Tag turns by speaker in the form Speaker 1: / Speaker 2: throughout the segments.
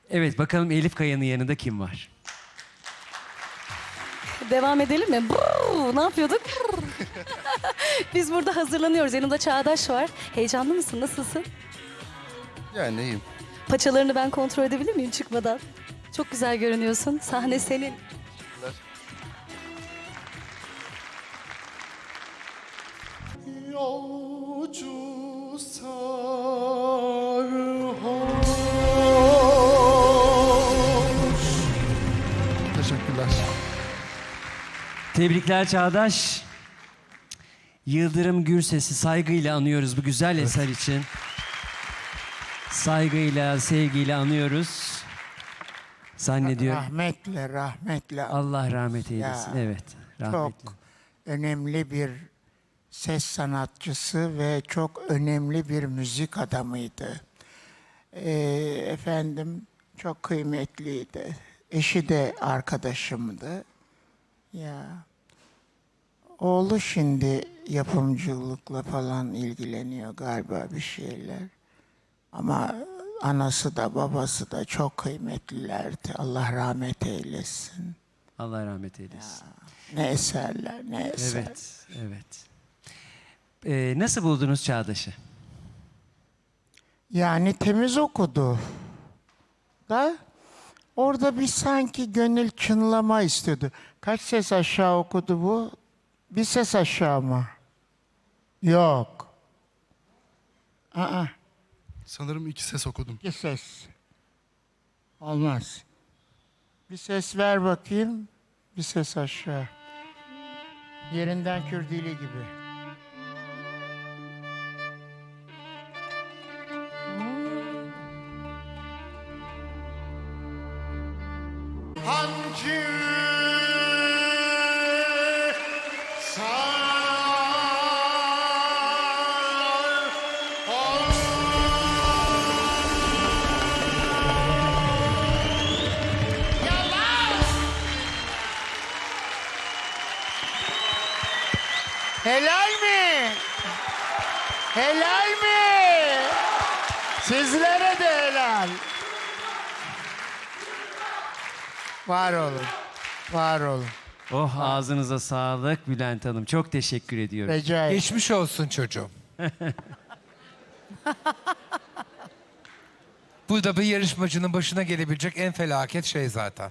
Speaker 1: Evet, bakalım Elif Kaya'nın yanında kim var?
Speaker 2: Devam edelim mi? Ne yapıyorduk? Biz burada hazırlanıyoruz. Yanımda Çağdaş var. Heyecanlı mısın? Nasılsın?
Speaker 3: Yani iyiyim.
Speaker 2: Paçalarını ben kontrol edebilir miyim çıkmadan? Çok güzel görünüyorsun. Sahne senin.
Speaker 3: Yolcu sarhoş. Teşekkürler.
Speaker 1: Tebrikler Çağdaş. Yıldırım Gürses'i saygıyla anıyoruz bu güzel eser için. Saygıyla, sevgiyle anıyoruz. Zannediyorum.
Speaker 4: Rahmetle, rahmetle.
Speaker 1: Allah rahmet eylesin.
Speaker 4: Ya,
Speaker 1: Evet, rahmetle.
Speaker 4: Çok önemli bir ses sanatçısı ve çok önemli bir müzik adamıydı. Efendim çok kıymetliydi. Eşi de arkadaşımdı. Ya oğlu şimdi yapımcılıkla falan ilgileniyor galiba bir şeyler. Ama anası da babası da çok kıymetlilerdi. Allah rahmet eylesin.
Speaker 1: Allah rahmet eylesin.
Speaker 4: Ne eserler, ne eser.
Speaker 1: Evet, evet. Nasıl buldunuz Çağdaş'ı?
Speaker 4: Yani temiz okudu. Da orada bir sanki gönül çınlama istiyordu. Kaç ses aşağı okudu bu? Bir ses aşağı mı? Yok. Aa,
Speaker 3: Sanırım 2 ses okudum.
Speaker 4: bir ses. Olmaz. Bir ses ver bakayım. Bir ses aşağı. Yerinden kürdili gibi. Hancı Helal mi? Helal mi? Sizlere de helal. Var olun. Var olun.
Speaker 1: Oh ağzınıza sağlık Bülent Hanım. Çok teşekkür ediyorum.
Speaker 4: Rica ederim.
Speaker 5: Geçmiş olsun çocuğum. Bu da bir yarışmacının başına gelebilecek en felaket şey zaten.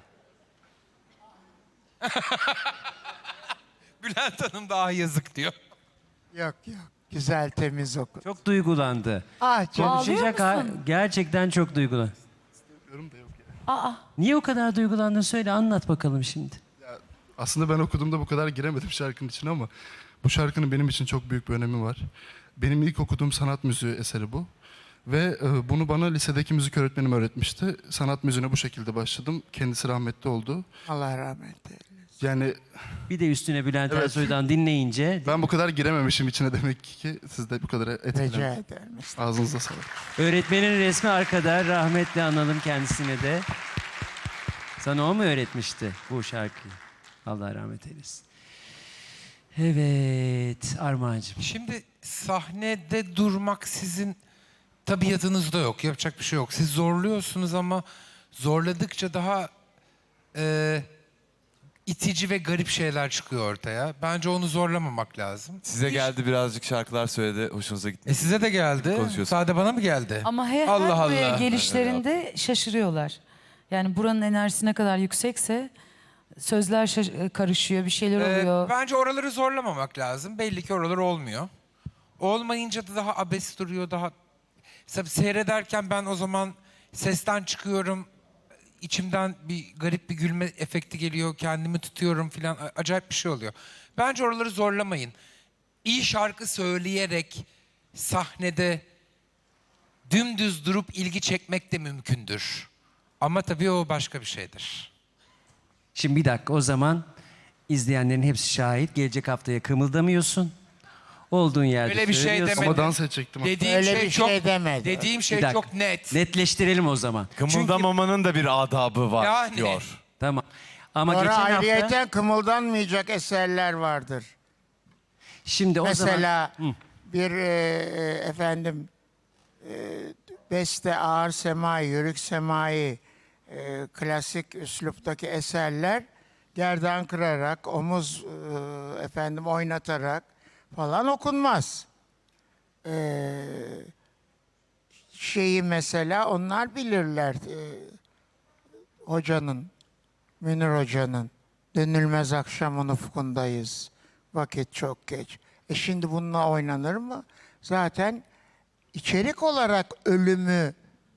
Speaker 5: Bülent Hanım daha yazık diyor.
Speaker 4: Yok yok. Güzel temiz oku.
Speaker 1: Çok duygulandı.
Speaker 4: Ah canım.
Speaker 1: Konuşacak gerçekten çok duygulandı.
Speaker 3: Yorum da yok ya.
Speaker 1: Niye o kadar duygulandın söyle anlat bakalım şimdi.
Speaker 3: Aslında ben okuduğumda bu kadar giremedim şarkının içine ama bu şarkının benim için çok büyük bir önemi var. Benim ilk okuduğum sanat müziği eseri bu. Ve bunu bana lisedeki müzik öğretmenim öğretmişti. Sanat müziğine bu şekilde başladım. Kendisi rahmetli oldu.
Speaker 4: Allah rahmet eylesin.
Speaker 3: Yani
Speaker 1: Bir de üstüne Bülent
Speaker 3: Evet.
Speaker 1: Ersoy'dan dinleyince
Speaker 3: ben bu kadar girememişim içine demek ki siz de bu kadar
Speaker 4: Rica
Speaker 3: etkilendiniz.
Speaker 4: ederim.
Speaker 3: Ağzınıza sağlık.
Speaker 1: öğretmenin resmi arkada rahmetli analım kendisine de. Sana o mu öğretmişti bu şarkıyı? Allah rahmet eylesin. Evet Armağan'cığım.
Speaker 5: Şimdi sahnede durmak sizin tabiatınızda yok. Yapacak bir şey yok. Siz zorluyorsunuz ama zorladıkça daha itici ve garip şeyler çıkıyor ortaya. Bence onu zorlamamak lazım.
Speaker 6: Size geldi birazcık şarkılar söyledi. Hoşunuza gitti.
Speaker 5: Size de geldi.
Speaker 6: Konuşuyorsun.
Speaker 5: Sadece bana mı geldi?
Speaker 7: Ama her
Speaker 5: Allah
Speaker 7: buraya
Speaker 5: Allah.
Speaker 7: gelişlerinde şaşırıyorlar. Yani buranın enerjisi ne kadar yüksekse sözler karışıyor, bir şeyler oluyor.
Speaker 5: Bence oraları zorlamamak lazım. Belli ki oralar olmuyor. Olmayınca da daha abes duruyor, daha... Mesela seyrederken ben o zaman sesten çıkıyorum, içimden bir garip bir gülme efekti geliyor, kendimi tutuyorum falan. Acayip bir şey oluyor. Bence oraları zorlamayın. İyi şarkı söyleyerek sahnede dümdüz durup ilgi çekmek de mümkündür. Ama tabii o başka bir şeydir.
Speaker 1: Şimdi bir dakika o zaman izleyenlerin hepsi şahit. Gelecek haftaya kımıldamıyorsun. Olduğun yerde
Speaker 5: Öyle bir şey
Speaker 1: söylüyorsun.
Speaker 5: demedim.
Speaker 3: Ama dans edecektim.
Speaker 5: Dediğim
Speaker 4: Öyle
Speaker 5: şey
Speaker 4: bir
Speaker 5: çok
Speaker 4: şey demedi.
Speaker 5: Dediğim
Speaker 1: Bir
Speaker 5: şey
Speaker 1: dakika.
Speaker 5: çok net.
Speaker 1: Netleştirelim o zaman.
Speaker 6: Kımıldamamanın da bir adabı var
Speaker 5: Yani.
Speaker 6: diyor.
Speaker 1: Tamam. Ama
Speaker 4: Sonra
Speaker 1: geçen hafta
Speaker 4: ayrıyeten kımıldanmayacak eserler vardır.
Speaker 1: şimdi o zaman
Speaker 4: Mesela bir efendim beste ağır semai, yörük semai klasik üsluptaki eserler gerdan kırarak, omuz oynatarak falan okunmaz. Şeyi mesela onlar bilirler. Hocanın, Münir Hoca'nın dönülmez akşamın ufkundayız. Vakit çok geç. Şimdi bununla oynanır mı? Zaten içerik olarak ölümü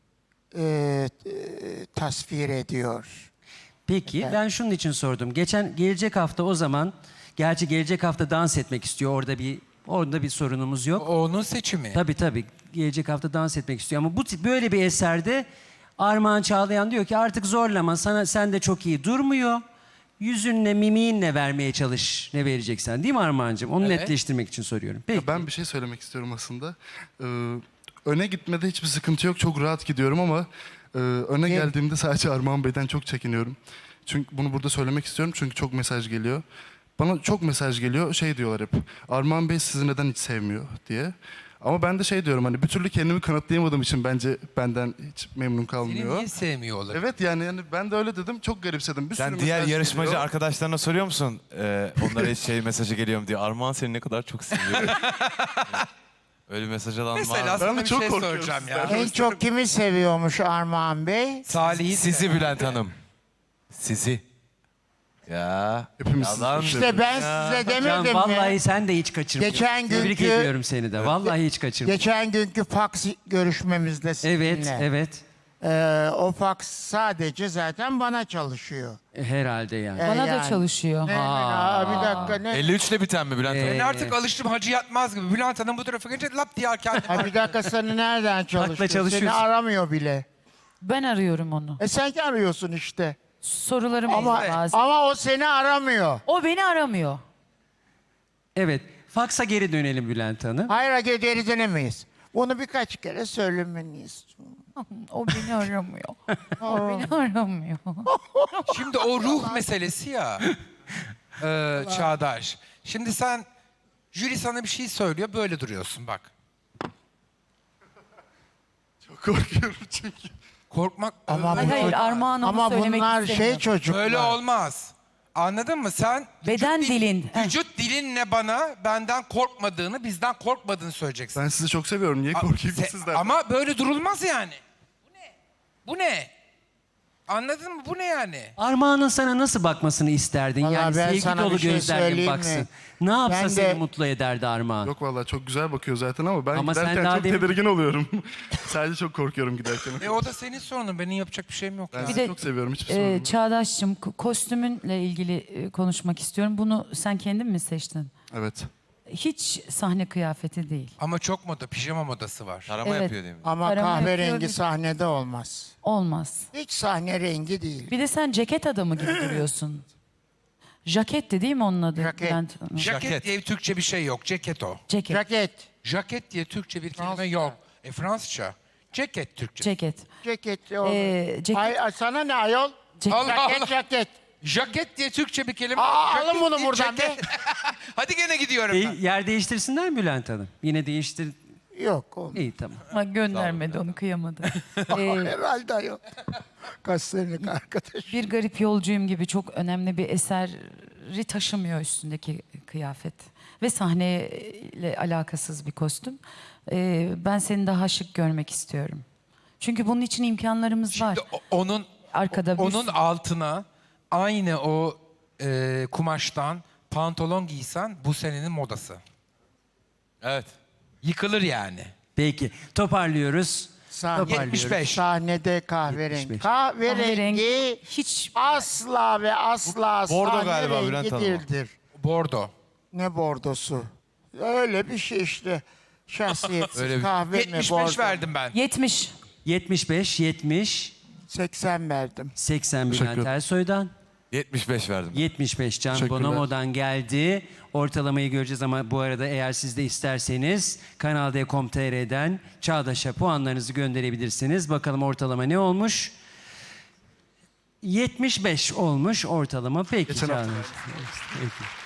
Speaker 4: tasvir ediyor.
Speaker 1: Peki ben şunun için sordum. Gelecek hafta o zaman, gerçi gelecek hafta dans etmek istiyor. Orada bir sorunumuz yok.
Speaker 5: O onun seçimi.
Speaker 1: Tabii. Gelecek hafta dans etmek istiyor ama böyle bir eserde Armağan Çağlayan diyor ki artık zorlama, sen de çok iyi durmuyor. Yüzünle, mimiğinle vermeye çalış ne vereceksen. Değil mi Armağan'cığım? Onu
Speaker 5: Evet.
Speaker 1: netleştirmek için soruyorum. Peki.
Speaker 3: Ben bir şey söylemek istiyorum aslında. Öne gitmede hiçbir sıkıntı yok. Çok rahat gidiyorum ama öne geldiğimde sadece Armağan Bey'den çok çekiniyorum. Çünkü bunu burada söylemek istiyorum çünkü çok mesaj geliyor. Bana çok mesaj geliyor. Şey diyorlar hep. Armağan Bey sizi neden hiç sevmiyor diye. Ama ben de şey diyorum hani bir türlü kendimi kanıtlayamadığım için bence benden hiç memnun
Speaker 5: Seni
Speaker 3: kalmıyor.
Speaker 5: niye sevmiyor olabilir?
Speaker 3: Evet yani ben de öyle dedim. Çok garipsedim. Bir
Speaker 6: Sen
Speaker 3: sürü
Speaker 6: diğer
Speaker 3: mesaj
Speaker 6: yarışmacı
Speaker 3: geliyor.
Speaker 6: arkadaşlarına soruyor musun? Onlara hiç mesajı geliyor mu diye. Armağan seni ne kadar çok seviyor. Öyle mesaj alan
Speaker 5: Mesela
Speaker 6: var.
Speaker 5: sana
Speaker 3: Ben de
Speaker 5: bir
Speaker 3: çok
Speaker 5: şey
Speaker 3: korkuyorum
Speaker 5: soracağım ya.
Speaker 3: sizden.
Speaker 4: En çok kimi seviyormuş Armağan Bey?
Speaker 5: Salih'i
Speaker 6: Sizi Bülent Hanım. Sizi. Ya.
Speaker 3: Hepimiz sizi
Speaker 6: yalan.
Speaker 3: çok
Speaker 4: İşte ben size
Speaker 1: Can,
Speaker 4: demedim
Speaker 1: vallahi
Speaker 4: mi?
Speaker 1: sen de hiç kaçırmıyorsun.
Speaker 4: Geçen
Speaker 1: Tebrik
Speaker 4: günkü-
Speaker 1: ediyorum seni de. Vallahi hiç kaçırmıyorsun.
Speaker 4: Geçen günkü fax görüşmemizde sizinle.
Speaker 1: Evet.
Speaker 4: O fax sadece zaten bana çalışıyor.
Speaker 1: Herhalde yani.
Speaker 7: Bana da
Speaker 4: Yani.
Speaker 7: çalışıyor.
Speaker 4: Bir dakika ne?
Speaker 6: 53 ile biten mi Bülent Hanım?
Speaker 5: Ben artık alıştım Hacı Yatmaz gibi. Bülent Hanım bu tarafa gelince lap diye kendini.
Speaker 4: Bir dakika seni nereden çalışıyor? Seni
Speaker 1: çalışıyorsun.
Speaker 4: aramıyor bile.
Speaker 7: Ben arıyorum onu.
Speaker 4: Sen arıyorsun işte.
Speaker 7: Sorularım
Speaker 4: Ama,
Speaker 7: bazen.
Speaker 4: ama o seni aramıyor.
Speaker 7: O beni aramıyor.
Speaker 1: Evet. Faksa geri dönelim Bülent Hanım.
Speaker 4: Hayır geri dönemeyiz. Bunu birkaç kere söylemeliyiz.
Speaker 7: O beni aramıyor. O beni aramıyor.
Speaker 5: Şimdi o ruh meselesi ya. Çağdaş. Şimdi sen jüri sana bir şey söylüyor böyle duruyorsun bak.
Speaker 3: Çok korkuyorum çünkü.
Speaker 5: Korkmak
Speaker 4: Ama
Speaker 7: Hayır, Armağan onu
Speaker 4: ama
Speaker 7: söylemek
Speaker 4: bunlar
Speaker 7: istemiyor.
Speaker 4: çocuklar.
Speaker 5: böyle olmaz. Anladın mı? Sen
Speaker 7: Beden dilin.
Speaker 5: vücut dilinle bana benden korkmadığını, bizden korkmadığını söyleyeceksin.
Speaker 3: Ben sizi çok seviyorum. Niye korkayım ki sizden?
Speaker 5: Ama böyle durulmaz yani. Bu ne? Anladın mı? Bu ne yani?
Speaker 1: Armağan'ın sana nasıl bakmasını isterdin?
Speaker 4: Vallahi
Speaker 1: Yani
Speaker 4: ben
Speaker 1: sevgi
Speaker 4: sana
Speaker 1: dolu
Speaker 4: bir şey
Speaker 1: gözlerle
Speaker 4: söyleyeyim mi?
Speaker 1: baksın. Ne yapsa
Speaker 4: Ben de-
Speaker 1: seni mutlu ederdi Armağan.
Speaker 3: Yok vallahi çok güzel bakıyor zaten ama ben
Speaker 1: Ama sen
Speaker 3: giderken
Speaker 1: daha
Speaker 3: çok
Speaker 1: demin-
Speaker 3: tedirgin oluyorum. Sadece çok korkuyorum giderken.
Speaker 5: O da senin sorunun. Benim yapacak bir şeyim yok.
Speaker 3: Ben
Speaker 5: ya.
Speaker 3: sizi
Speaker 7: de,
Speaker 3: çok seviyorum. Hiçbir sorun yok.
Speaker 7: Çağdaş'cığım kostümünle ilgili konuşmak istiyorum. Bunu sen kendin mi seçtin?
Speaker 3: Evet.
Speaker 7: Hiç sahne kıyafeti değil.
Speaker 5: Ama çok moda, pijama modası var.
Speaker 6: Tarama
Speaker 7: Evet.
Speaker 6: yapıyor değil mi?
Speaker 4: Ama
Speaker 7: Arama
Speaker 4: kahverengi
Speaker 7: yapıyor.
Speaker 4: sahnede olmaz.
Speaker 7: Olmaz.
Speaker 4: Hiç sahne rengi değil.
Speaker 7: Bir de sen ceket adamı gibi duruyorsun. Jaketti değil mi onun adı?
Speaker 4: Jaket.
Speaker 7: Bülent Hanım?
Speaker 5: Jaket diye Türkçe bir şey yok. Ceket o.
Speaker 7: Ceket.
Speaker 4: Ceket.
Speaker 5: Jaket diye Türkçe bir kelime yok. Fransızca. Ceket Türkçe.
Speaker 7: Ceket.
Speaker 4: Ceket. O.
Speaker 7: Ceket.
Speaker 4: Ay, sana ne ayol?
Speaker 5: Allah
Speaker 4: Ceket
Speaker 5: Allah.
Speaker 4: ceket.
Speaker 5: Jaket diye Türkçe bir kelime.
Speaker 4: Alın
Speaker 5: Jaket
Speaker 4: bunu
Speaker 5: diye
Speaker 4: buradan
Speaker 5: ceket. Hadi gene gidiyorum ben.
Speaker 1: Yer değiştirsinler mi Bülent Hanım? Yine değiştir.
Speaker 4: Yok oğlum.
Speaker 1: İyi tamam.
Speaker 7: Ama göndermedi onu kıyamadı.
Speaker 4: Herhalde ayol. Kaç senelik arkadaş.
Speaker 7: Bir garip yolcuyum gibi çok önemli bir eseri taşımıyor üstündeki kıyafet. Ve sahneyle alakasız bir kostüm. Ben seni daha şık görmek istiyorum. Çünkü bunun için imkanlarımız var.
Speaker 5: Şimdi onun
Speaker 7: Arkada bir
Speaker 5: onun altına aynı o kumaştan pantolon giysen bu senenin modası.
Speaker 6: Evet.
Speaker 5: Yıkılır yani.
Speaker 1: Peki. Toparlıyoruz.
Speaker 4: Sahne,
Speaker 5: 75.
Speaker 4: Sahnede kahverengi.
Speaker 1: 75.
Speaker 4: Kahverengi
Speaker 7: hiç
Speaker 4: asla ve asla
Speaker 6: Bordo
Speaker 4: sahne
Speaker 6: galiba
Speaker 4: rengi
Speaker 6: Bülent Hanım o.
Speaker 4: değildir.
Speaker 5: Bordo.
Speaker 4: Ne bordosu? Öyle bir şey işte. Şahsiyetsiz
Speaker 6: Öyle bir-
Speaker 4: kahve mi
Speaker 5: 75
Speaker 4: bordo?
Speaker 5: verdim ben.
Speaker 7: 70.
Speaker 1: 75, 70,
Speaker 4: 80 verdim.
Speaker 1: 80
Speaker 3: Teşekkür
Speaker 1: Bülent
Speaker 3: ederim.
Speaker 1: Ersoy'dan.
Speaker 6: 75 verdim.
Speaker 1: 75 Can
Speaker 3: Teşekkürler.
Speaker 1: Bonomo'dan geldi. Ortalamayı göreceğiz ama bu arada eğer siz de isterseniz Kanal D.com.tr'den Çağdaş'a puanlarınızı gönderebilirsiniz. Bakalım ortalama ne olmuş? 75 olmuş ortalama. Peki
Speaker 3: Geçen hafta.
Speaker 1: Çağdaş. Peki.